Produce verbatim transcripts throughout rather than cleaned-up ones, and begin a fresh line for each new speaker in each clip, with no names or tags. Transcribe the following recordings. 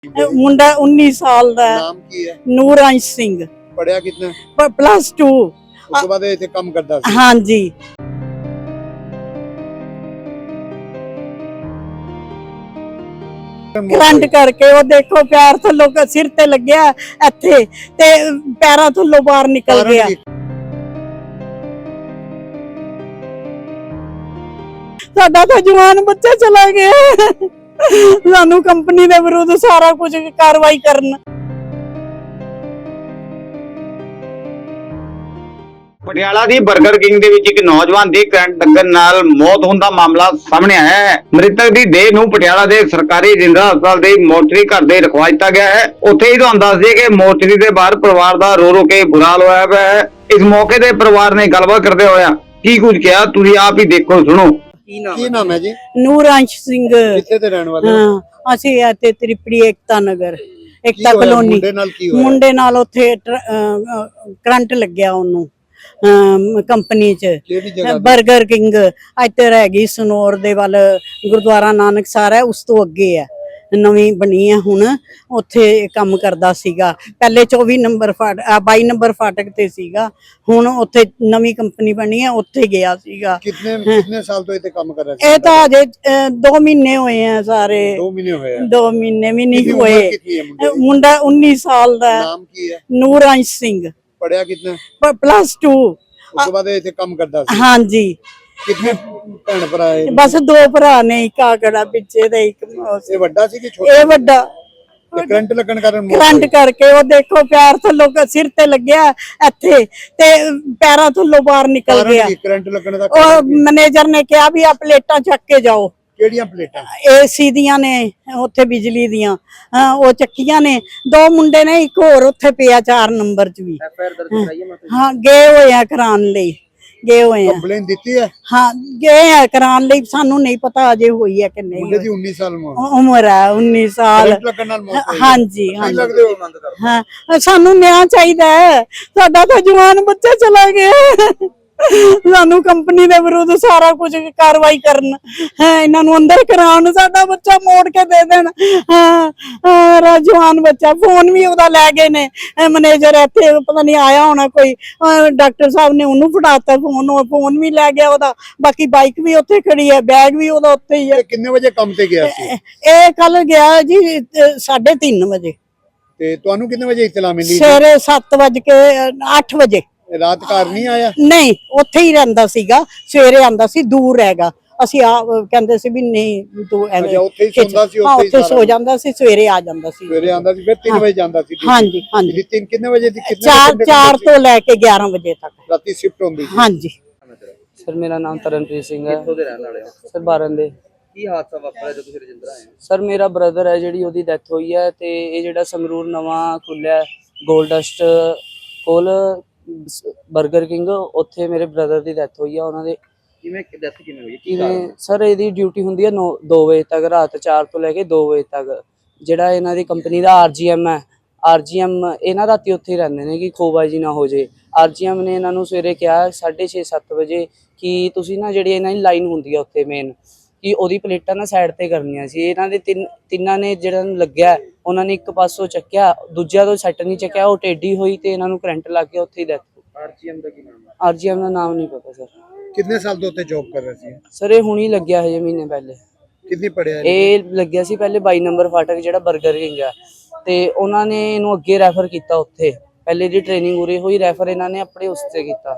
मुंडा उन्नीस साल दा
नाम की है?
नूरांश सिंह
पढ़िया कितना?
Plus two.
उसके बाद इतने काम करता सी।
हाँ जी करंट करके वो देखो पैर थल्लों सिर ते लग्या इत्थे ते पैरां थल्लों बाहर निकल गया। साडा तो जवान बच्चा चला गया। सानू कंपनी दे विरुद्ध सारा कुछ कार्रवाई करन।
ਪਟਿਆਲਾ ਦੀ 버ਗਰ ਕਿੰਗ ਦੇ ਵਿੱਚ ਇੱਕ ਨੌਜਵਾਨ ਦੀ ਕਰੰਟ ਲੱਗਣ ਨਾਲ ਮੌਤ ਹੋਣ ਦਾ ਮਾਮਲਾ ਸਾਹਮਣੇ ਆਇਆ ਹੈ। ਮ੍ਰਿਤਕ ਦੀ ਦੇਹ ਨੂੰ ਪਟਿਆਲਾ ਦੇ ਸਰਕਾਰੀ ਜਿੰਦਰਾ ਹਸਪਤਾਲ ਦੇ ਮੋਰਚਰੀ ਘਰ ਦੇ ਰਖਵਾ ਦਿੱਤਾ ਗਿਆ ਹੈ। ਉੱਥੇ ਹੀ ਤੁਹਾਨੂੰ ਦੱਸ ਦਈਏ ਕਿ ਮੋਰਚਰੀ ਦੇ ਬਾਹਰ ਪਰਿਵਾਰ ਦਾ ਰੋ ਰੋ ਕੇ ਬੁਰਾ ਹਾਲ ਹੋਇਆ ਪਿਆ ਹੈ। ਇਸ ਮੌਕੇ ਤੇ ਪਰਿਵਾਰ ਨੇ ਗੱਲਬਾਤ ਕਰਦੇ ਹੋਇਆ ਕੀ ਕੁਝ ਕਿਹਾ ਤੁਸੀਂ ਆਪ ਹੀ ਦੇਖੋ ਸੁਣੋ।
ਕੀ ਨਾਮ ਹੈ ਜੀ?
ਨੂਰਾਂਸ਼ ਸਿੰਘ।
ਕਿੱਥੇ ਦੇ ਰਹਿਣ ਵਾਲੇ?
ਹਾਂ ਅਸੀਂ ਇੱਥੇ ਤ੍ਰਿਪੜੀ ਏਕਤਾ ਨਗਰ ਏਕਤਾ ਕਲੋਨੀ।
ਮੁੰਡੇ ਨਾਲ ਕੀ ਹੋਇਆ?
ਮੁੰਡੇ ਨਾਲ ਉੱਥੇ ਕਰੰਟ ਲੱਗਿਆ ਉਹਨੂੰ ਕੰਪਨੀ ਚ 버ਗਰ ਕਿੰਗ ਇੱਧਰ ਹੈਗੀ ਸਨੌਰ ਦੇ ਵੱਲ ਗੁਰਦੁਆਰਾ ਨਾਨਕ ਸਾਹਿਬ ਹੈ ਉਸ ਤੋਂ ਅੱਗੇ ਹੈ ਨਵੀਂ ਬਣੀ ਹੈ ਹੁਣ ਉੱਥੇ ਕੰਮ ਕਰਦਾ ਸੀਗਾ ਪਹਿਲੇ ਚੌਵੀ ਨੰਬਰ ਫਾਟਕ ਬਾਈ ਨੰਬਰ ਫਾਟਕ ਤੇ ਸੀਗਾ ਹੁਣ ਉੱਥੇ ਨਵੀਂ ਕੰਪਨੀ ਬਣੀ ਹੈ ਉੱਥੇ ਗਿਆ ਸੀਗਾ।
ਕਿੰਨੇ ਕਿੰਨੇ ਸਾਲ ਤੋਂ ਇੱਥੇ ਕੰਮ ਕਰ ਰਿਹਾ ਸੀ?
ਇਹ ਤਾਂ ਅਜੇ ਦੋ ਮਹੀਨੇ ਹੋਏ ਆ ਸਾਰੇ।
ਦੋ ਮਹੀਨੇ ਹੋਏ ਆ? ਦੋ
ਮਹੀਨੇ ਵੀ ਨਹੀਂ ਹੋਏ। ਮੁੰਡਾ उन्नीस साल ਦਾ।
ਨਾਮ ਕੀ ਹੈ?
ਨੂਰਾਂਸ਼ ਸਿੰਘ।
पढ़िया कितना?
Plus two.
उसके बाद इतने काम करता सी।
हाँ जी।
कितने भैन भरा है?
बस दो भरा ने एक आगड़ा पिछे दे एक
ये बड़ा सी कि छोटा?
ये बड़ा।
करंट लगन कारण
करंट करके वो देखो पैर थल्लों सिर ते लग्या इत्थे ते पैरां थल्लों बाहर निकल गया।
करंट लगन दा
और मैनेजर ने कहा भी आ प्लेटां चक के जाओ।
ਕਿਹੜੀਆਂ ਪਲੇਟਾਂ?
ਏਸੀ ਦੀਆਂ ਨੇ ਉੱਥੇ ਬਿਜਲੀ ਦੀਆਂ ਉਹ ਚੱਕੀਆਂ ਨੇ। ਦੋ ਮੁੰਡੇ ਨੇ ਇੱਕ ਹੋਰ ਉੱਥੇ ਪਿਆ ਚਾਰ ਨੰਬਰ ਚ ਵੀ। ਹਾਂ ਗਏ ਹੋਏ ਆ ਕਰਾਉਣ ਲਈ ਗਏ ਹੋਏ ਆ।
ਕੰਪਲੇਨ ਦਿੱਤੀ ਹੈ? ਹਾਂ
ਗਏ ਆ ਕਰਾਉਣ ਲਈ ਸਾਨੂੰ ਨਹੀਂ ਪਤਾ ਅਜੇ ਹੋਈ ਹੈ ਕਿ ਨਹੀਂ।
ਮੁੰਡੇ ਦੀ उन्नीस ਸਾਲ
ਉਮਰ ਹੈ उन्नीस ਸਾਲ।
ਕਰੰਟ ਲੱਗਣ ਨਾਲ ਮੌਤ ਹੋਈ?
ਹਾਂਜੀ ਹਾਂਜੀ
ਲੱਗਦੇ ਹੋ ਮੰਗ ਕਰਦੇ?
ਹਾਂ ਸਾਨੂੰ ਨਿਆਂ ਚਾਹੀਦਾ ਹੈ ਸਾਡਾ ਤਾਂ ਜਵਾਨ ਬੱਚਾ ਚਲਾ ਗਿਆ। ਸਾਨੂੰ ਕੰਪਨੀ ਦੇ ਵਿਰੁੱਧ ਸਾਰਾ ਕੁਝ ਕਾਰਵਾਈ ਕਰਨ ਹੈ ਇਹਨਾਂ ਨੂੰ ਅੰਦਰ ਕਰਾਉਣ ਸਾਡਾ ਬੱਚਾ ਮੋੜ ਕੇ ਦੇ ਦੇਣ। ਹਾਂ ਜਵਾਨ ਬੱਚਾ ਫੋਨ ਵੀ ਉਹਦਾ ਲੈ ਗਏ ਨੇ ਮੈਨੇਜਰ ਇੱਥੇ ਪਤਾ ਨਹੀਂ ਆਇਆ ਹੋਣਾ ਕੋਈ ਡਾਕਟਰ ਸਾਹਿਬ ਨੇ ਉਹਨੂੰ ਫੜਾਤਾ ਫੋਨ ਉਹ ਫੋਨ ਵੀ ਲੈ ਗਿਆ ਉਹਦਾ ਬਾਕੀ ਬਾਈਕ ਵੀ ਉੱਥੇ ਖੜੀ ਹੈ ਬੈਗ ਵੀ ਉਹਦਾ ਉੱਥੇ ਹੀ ਹੈ।
ਕਿੰਨੇ ਵਜੇ ਕੰਮ ਤੇ ਗਿਆ ਸੀ
ਇਹ? ਕੱਲ ਗਿਆ ਜੀ ਸਾਢੇ ਤਿੰਨ ਵਜੇ।
ਤੇ ਤੁਹਾਨੂੰ ਕਿੰਨੇ ਵਜੇ ਇਤਲਾ ਮਿਲੀ?
ਸਵੇਰੇ ਸੱਤ ਵਜ ਕੇ ਅੱਠ ਵਜੇ।
ਰਾਤ ਘਰ ਨਹੀਂ ਆਇਆ?
ਨਹੀਂ ਉੱਥੇ ਹੀ ਰਹਿੰਦਾ ਸੀਗਾ ਸਵੇਰੇ ਆਂਦਾ ਸੀ ਦੂਰ ਹੈਗਾ ਅਸੀਂ ਆ ਕਹਿੰਦੇ ਸੀ ਵੀ ਨਹੀਂ ਤੂੰ ਐਵੇਂ
ਉੱਥੇ ਹੀ ਸੌਂਦਾ ਸੀ?
ਉੱਥੇ ਹੀ ਸੋ ਜਾਂਦਾ ਸੀ ਸਵੇਰੇ ਆ ਜਾਂਦਾ ਸੀ।
ਸਵੇਰੇ ਆਂਦਾ ਸੀ ਫਿਰ ਤਿੰਨ ਵਜੇ ਜਾਂਦਾ ਸੀ?
ਹਾਂਜੀ ਹਾਂਜੀ।
ਤਿੰਨ ਕਿੰਨੇ ਵਜੇ ਦੀ?
ਚਾਰ ਚਾਰ ਤੋਂ ਲੈ ਕੇ ਗਿਆਰਾਂ ਵਜੇ ਤੱਕ
ਰਾਤੀ ਸ਼ਿਫਟ ਹੁੰਦੀ ਸੀ?
ਹਾਂਜੀ।
ਸਰ ਮੇਰਾ ਨਾਮ ਤਰਨਪ੍ਰੀਤ ਸਿੰਘ ਹੈ।
ਕਿੱਥੋਂ ਦੇ ਰਹਿਣ ਵਾਲੇ ਹੋ?
ਸਰ ਬਾਰਨ ਦੇ।
ਕੀ ਹਾਦਸਾ ਵਾਪਰਿਆ ਜਦੋਂ ਤੁਸੀਂ ਰਜਿੰਦਰਾ ਆਏ ਹੋ?
ਸਰ ਮੇਰਾ ਬ੍ਰਦਰ ਹੈ ਜਿਹੜੀ ਉਹਦੀ ਡੈਥ ਹੋਈ ਹੈ ਤੇ ਇਹ ਜਿਹੜਾ ਸੰਗਰੂਰ ਨਵਾਂ ਖੁੱਲਿਆ ਗੋਲਡਸਟ ਕੋਲ 버ਗਰ ਕਿੰਗ ਉੱਥੇ ਮੇਰੇ ਬ੍ਰਦਰ ਦੀ ਡੈਥ ਹੋਈ ਆ। ਉਹਨਾਂ ਦੇ
ਕਿਵੇਂ ਡੈਥ ਕਿਵੇਂ ਹੋਈ? ਕੀ ਕਾਰਨ?
ਸਰ ਇਹਦੀ ਡਿਊਟੀ ਹੁੰਦੀ ਹੈ ਦੋ ਵਜੇ ਤੱਕ ਰਾਤ ਚਾਰ ਤੋਂ ਲੈ ਕੇ ਦੋ ਵਜੇ ਤੱਕ। ਜਿਹੜਾ ਇਹਨਾਂ ਦੀ ਕੰਪਨੀ ਦਾ ਆਰਜੀਐਮ ਹੈ ਆਰਜੀਐਮ ਇਹਨਾਂ ਰਾਤੀ ਉੱਥੇ ਹੀ ਰਹਿੰਦੇ ਨੇ ਕਿ ਖੋਬਾਜੀ ਨਾ ਹੋ ਜੇ। ਆਰਜੀਐਮ ਨੇ ਇਹਨਾਂ ਨੂੰ ਸਵੇਰੇ ਕਿਹਾ ਸਾਢੇ ਛੇ ਸੱਤ ਵਜੇ ਕਿ ਤੁਸੀਂ ਨਾ ਜਿਹੜੀ ਇਹਨਾਂ ਦੀ ਲਾਈਨ ਹੁੰਦੀ ਆ ਉੱਥੇ ਮੇਨ ਕਿ ਉਹਦੀ ਪਲੇਟਾਂ ਨਾ ਸਾਈਡ ਤੇ ਕਰਨੀਆਂ ਸੀ। ਇਹਨਾਂ ਦੇ ਤਿੰਨ ਤਿੰਨਾਂ ਨੇ ਜਿਹੜਾ ਲੱਗਿਆ ਉਹਨਾਂ ਨੇ ਇੱਕ ਪਾਸੋਂ ਚੱਕਿਆ ਦੂਜਿਆਂ ਤੋਂ ਸੈੱਟ ਨਹੀਂ ਚੱਕਿਆ ਉਹ ਟੇਢੀ ਹੋਈ ਤੇ ਇਹਨਾਂ ਨੂੰ ਕਰੰਟ ਲੱਗ ਗਿਆ ਉੱਥੇ ਹੀ ਡੈਥ।
ਆਰਜੀਐਮ ਦਾ ਕੀ ਨਾਮ ਹੈ?
ਆਰਜੀਐਮ ਦਾ ਨਾਮ ਨਹੀਂ ਪਤਾ ਸਰ।
ਕਿੰਨੇ ਸਾਲ ਤੋਂ ਉੱਥੇ ਜੌਬ ਕਰ ਰਿਹਾ ਸੀ?
ਸਰ ਇਹ ਹੁਣੀ ਲੱਗਿਆ ਹਜੇ ਮਹੀਨੇ ਪਹਿਲੇ।
ਕਿੰਨੀ ਪੜਿਆ?
ਇਹ ਲੱਗਿਆ ਸੀ ਪਹਿਲੇ ਬਾਈ ਨੰਬਰ ਫਾਟਕ ਜਿਹੜਾ 버ਗਰ ਕਿੰਗ ਆ ਤੇ ਉਹਨਾਂ ਨੇ ਇਹਨੂੰ ਅੱਗੇ ਰੈਫਰ ਕੀਤਾ ਉੱਥੇ ਪਹਿਲੇ ਦੀ ਟ੍ਰੇਨਿੰਗ ਉਰੇ ਹੋਈ ਰੈਫਰ ਇਹਨਾਂ ਨੇ ਆਪਣੇ ਉਸ ਤੇ ਕੀਤਾ।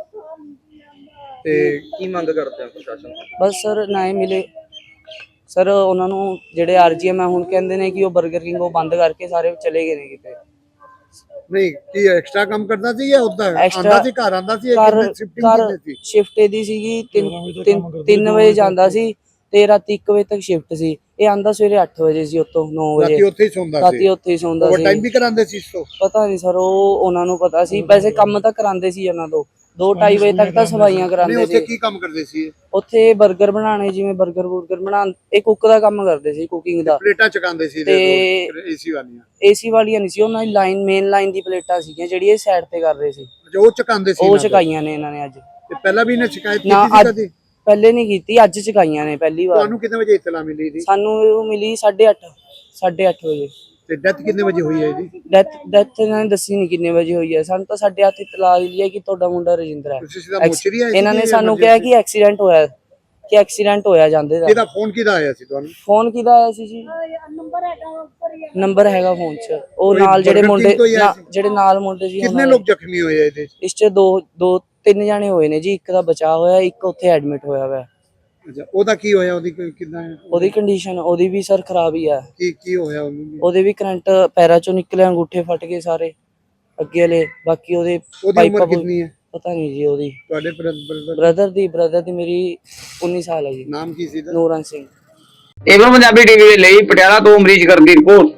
ਤੇ ਕੀ ਮੰਗ ਕਰਦੇ ਆ ਪ੍ਰਸ਼ਾਸਨ ਤੋਂ?
ਬਸ ਸਰ ਨਾ ਹੀ ਮਿਲੇ ਸਰ ਉਹਨਾਂ ਨੂੰ ਜਿਹੜੇ ਆਰਜੀਐਮ ਆ ਹੁਣ ਕਹਿੰਦੇ ਨੇ ਕਿ ਉਹ 버ਗਰ ਕਿੰਗ ਉਹ ਬੰਦ ਕਰਕੇ ਸਾਰੇ ਚਲੇ ਗਏ ਨੇ ਕਿਤੇ।
ਨਹੀਂ ਕੀ ਐਕਸਟਰਾ ਕੰਮ ਕਰਦਾ ਸੀ ਜਾਂ ਉਦਾਂ ਆਂਦਾ ਸੀ ਘਰ ਆਂਦਾ ਸੀ?
ਘਰ ਸ਼ਿਫਟ ਇਹਦੀ ਸੀਗੀ ਤਿੰਨ ਵਜੇ ਜਾਂਦਾ ਸੀ ਤੇ ਰਾਤੀ ਇੱਕ ਵਜੇ ਤੱਕ ਸ਼ਿਫਟ ਸੀ। ਇਹ ਆਂਦਾ ਸਵੇਰੇ ਅੱਠ ਵਜੇ ਸੀ ਉੱਥੋਂ ਨੌ ਵਜੇ।
ਰਾਤੀ ਉੱਥੇ ਹੀ ਸੌਂਦਾ ਸੀ?
ਰਾਤੀ ਉੱਥੇ ਹੀ ਸੌਂਦਾ ਸੀ।
ਓਵਰਟਾਈਮ ਵੀ ਕਰਾਉਂਦੇ ਸੀ ਇਸ ਤੋਂ?
ਪਤਾ ਨਹੀਂ ਸਰ ਉਹ ਉਹਨਾਂ ਨੂੰ ਪਤਾ ਸੀ ਵੈਸੇ ਕੰਮ ਤਾਂ ਕਰਾਉਂਦੇ ਸੀ ਉਹਨਾਂ ਤੋਂ ਦੋ ਢਾਈ ਵਜੇ ਤੱਕ ਤਾਂ ਸਫਾਈਆਂ ਕਰਾਉਂਦੇ ਸੀ।
ਉੱਥੇ ਕੀ ਕੰਮ ਕਰਦੇ ਸੀ?
ਉੱਥੇ 버ਗਰ ਬਣਾਉਣੇ ਜਿਵੇਂ 버ਗਰ ਬੁਰਗਰ ਬਣਾ ਇਹ ਕੁੱਕ ਦਾ ਕੰਮ ਕਰਦੇ ਸੀ ਕੁਕਿੰਗ ਦਾ।
ਪਲੇਟਾਂ ਚਕਾਉਂਦੇ ਸੀ
ਤੇ
ਏਸੀ ਵਾਲੀਆਂ?
ਏਸੀ ਵਾਲੀਆਂ ਨਹੀਂ ਸੀ ਉਹਨਾਂ ਦੀ ਲਾਈਨ ਮੇਨ ਲਾਈਨ ਦੀ ਪਲੇਟਾਂ ਸੀਗੀਆਂ ਜਿਹੜੀ ਇਹ ਸਾਈਡ ਤੇ ਕਰ ਰਹੇ ਸੀ
ਜੋ ਚਕਾਉਂਦੇ ਸੀ।
ਉਹ ਚਕਾਈਆਂ ਨੇ ਇਹਨਾਂ ਨੇ ਅੱਜ।
ਤੇ ਪਹਿਲਾਂ ਵੀ ਇਹਨੇ ਸ਼ਿਕਾਇਤ ਕੀਤੀ ਸੀ ਕਦੀ?
ਪਹਿਲੇ ਨਹੀਂ ਕੀਤੀ ਅੱਜ ਚਕਾਈਆਂ ਨੇ ਪਹਿਲੀ ਵਾਰ।
ਤੁਹਾਨੂੰ ਕਿੰਨੇ ਵਜੇ ਇਤਲਾ ਮਿਲੀ ਸੀ?
ਸਾਨੂੰ ਮਿਲੀ ਸਾਢੇ ਅੱਠ ਸਾਢੇ ਅੱਠ ਵਜੇ।
ਤੇ ਡੈਥ ਕਿੰਨੇ ਵਜੇ ਹੋਈ ਹੈ ਇਹਦੀ?
ਡੈਥ ਡੈਥ ਇਹਨਾਂ ਨੇ ਦੱਸੀ ਨਹੀਂ ਕਿੰਨੇ ਵਜੇ ਹੋਈ ਹੈ। ਸਾਨੂੰ ਤਾਂ ਸਾਡੇ ਹੱਥ ਇਤਲਾਹ ਮਿਲੀ ਹੈ ਕਿ ਤੁਹਾਡਾ ਮੁੰਡਾ ਰਜਿੰਦਰ ਹੈ।
ਤੁਸੀਂ ਸਿੱਧਾ ਮੋਚਰੀ ਆਏ ਸੀ?
ਇਹਨਾਂ ਨੇ ਸਾਨੂੰ ਕਿਹਾ ਕਿ ਐਕਸੀਡੈਂਟ ਹੋਇਆ ਕਿ ਐਕਸੀਡੈਂਟ ਹੋਇਆ ਜਾਂਦੇ ਦਾ।
ਇਹਦਾ ਫੋਨ ਕਿਹਦਾ ਆਇਆ ਸੀ ਤੁਹਾਨੂੰ?
ਫੋਨ ਕਿਹਦਾ ਆਇਆ ਸੀ ਜੀ? ਨੰਬਰ ਹੈਗਾ ਫੋਨ 'ਚ। ਉਹ
ਕੋਈ
ਨਾਲ ਜਿਹੜੇ
Burger
ਮੁੰਡੇ
King ਤੋਂ ਹੀ ਆਇਆ
ਨਾ-
ਸੀ?
ਜਿਹੜੇ ਨਾਲ ਮੁੰਡੇ ਸੀ
ਕਿੰਨੇ
ਉਹਨਾਂ
ਲੋਕ ਜ਼ਖਮੀ ਹੋਏ ਆ ਇਹਦੇ 'ਚ?
ਇਸ 'ਚ ਦੋ ਦੋ ਤਿੰਨ ਜਾਣੇ ਹੋਏ ਨੇ ਜੀ। ਇੱਕ ਦਾ ਬਚਾਅ ਹੋਇਆ, ਇੱਕ ਉੱਥੇ ਐਡਮਿਟ ਹੋਇਆ ਹੋਇਆ।
ਅੱਛਾ, ਉਹਦਾ ਕੀ ਹੋਇਆ? ਉਹਦੀ ਕੋਈ ਕਿੰਨਾ
ਉਹਦੀ ਕੰਡੀਸ਼ਨ ਉਹਦੀ ਵੀ ਸਰ ਖਰਾਬ ਹੀ ਆ।
ਕੀ ਕੀ ਹੋਇਆ ਉਹਨੂੰ?
ਉਹਦੇ ਵੀ ਕਰੰਟ ਪੈਰਾਂ 'ਚੋਂ ਨਿਕਲੇ, ਅੰਗੂਠੇ ਫਟ ਗਏ ਸਾਰੇ ਅੱਗੇ ਵਾਲੇ। ਬਾਕੀ ਉਹਦੇ
ਉਹਦੀ
ਪਾਈਪਾਂ
ਉਮਰ ਕਿੰਨੀ ਹੈ
ਪਤਾ ਨਹੀਂ ਜੀ ਉਹਦੀ।
ਤੁਹਾਡੇ ਬ੍ਰਦਰ?
ਬ੍ਰਦਰ ਦੀ ਬ੍ਰਦਰ ਦੀ ਮੇਰੀ ਉੱਨੀ ਸਾਲ ਹੈ ਜੀ।
ਨਾਮ ਕੀ ਸੀ ਇਹਦਾ?
ਨੂਰਨ ਸਿੰਘ।
ਏਵਨ ਪੰਜਾਬੀ ਟੀਵੀ ਦੇ ਲਈ ਪਟਿਆਲਾ ਤੋਂ ਅਮਰੀਸ਼ ਗਰਗ ਦੀ ਰਿਪੋਰਟ।